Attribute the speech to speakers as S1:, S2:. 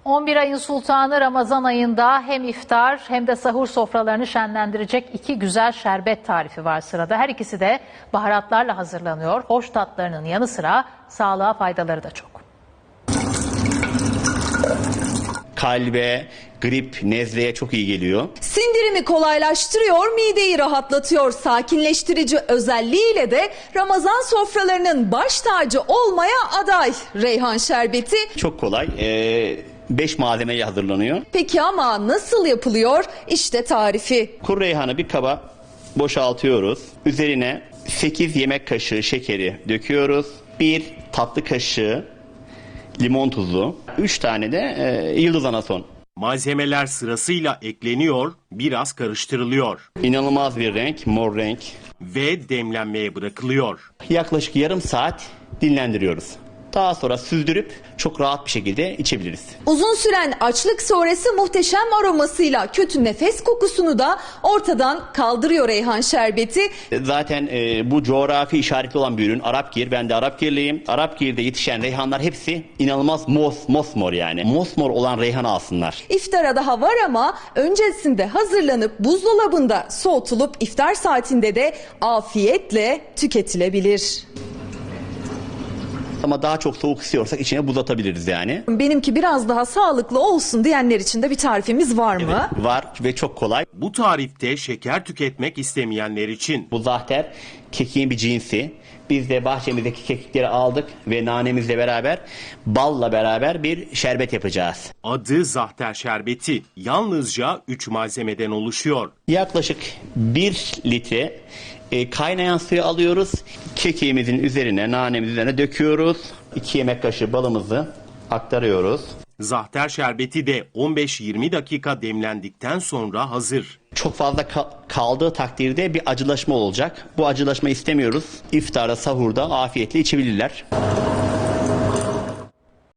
S1: 11 ayın sultanı Ramazan ayında hem iftar hem de sahur sofralarını şenlendirecek iki güzel şerbet tarifi var sırada. Her ikisi de baharatlarla hazırlanıyor. Hoş tatlarının yanı sıra sağlığa faydaları da çok.
S2: Kalbe, grip, nezleye çok iyi geliyor.
S3: Sindirimi kolaylaştırıyor, mideyi rahatlatıyor. Sakinleştirici özelliğiyle de Ramazan sofralarının baş tacı olmaya aday reyhan şerbeti.
S2: Çok kolay. 5 malzemeyle hazırlanıyor.
S3: Peki ama nasıl yapılıyor? İşte tarifi.
S2: Kuru reyhanı bir kaba boşaltıyoruz. Üzerine 8 yemek kaşığı şekeri döküyoruz. 1 tatlı kaşığı limon tuzu. 3 tane de yıldız anason.
S4: Malzemeler sırasıyla ekleniyor, biraz karıştırılıyor
S2: İnanılmaz bir renk, mor renk.
S4: ve demlenmeye bırakılıyor.
S2: Yaklaşık yarım saat dinlendiriyoruz. Daha sonra süzdürüp çok rahat bir şekilde içebiliriz.
S3: Uzun süren açlık sonrası muhteşem aromasıyla kötü nefes kokusunu da ortadan kaldırıyor reyhan şerbeti.
S2: Zaten bu coğrafi işaretli olan bir ürün Arapgir. Ben de Arapgirliyim. Arapgir'de yetişen reyhanlar hepsi inanılmaz mosmor yani. Mosmor olan reyhanı alsınlar.
S3: İftara daha var ama öncesinde hazırlanıp buzdolabında soğutulup iftar saatinde de afiyetle tüketilebilir.
S2: Ama daha çok soğuk istiyorsak içine buz atabiliriz yani.
S3: Benimki biraz daha sağlıklı olsun diyenler için de bir tarifimiz var mı?
S2: Evet, var ve çok kolay.
S4: Bu tarifte şeker tüketmek istemeyenler için.
S2: Bu zahter kekiğin bir cinsi. Biz de bahçemizdeki kekikleri aldık ve nanemizle beraber balla beraber bir şerbet yapacağız.
S4: Adı zahter şerbeti. Yalnızca 3 malzemeden oluşuyor.
S2: Yaklaşık 1 litre kaynayan suyu alıyoruz. Kekiğimizin üzerine, nanemizin üzerine döküyoruz. 2 yemek kaşığı balımızı aktarıyoruz.
S4: Zahter şerbeti de 15-20 dakika demlendikten sonra hazır.
S2: Çok fazla kaldığı takdirde bir acılaşma olacak. Bu acılaşma istemiyoruz. İftarda, sahurda afiyetle içebilirler.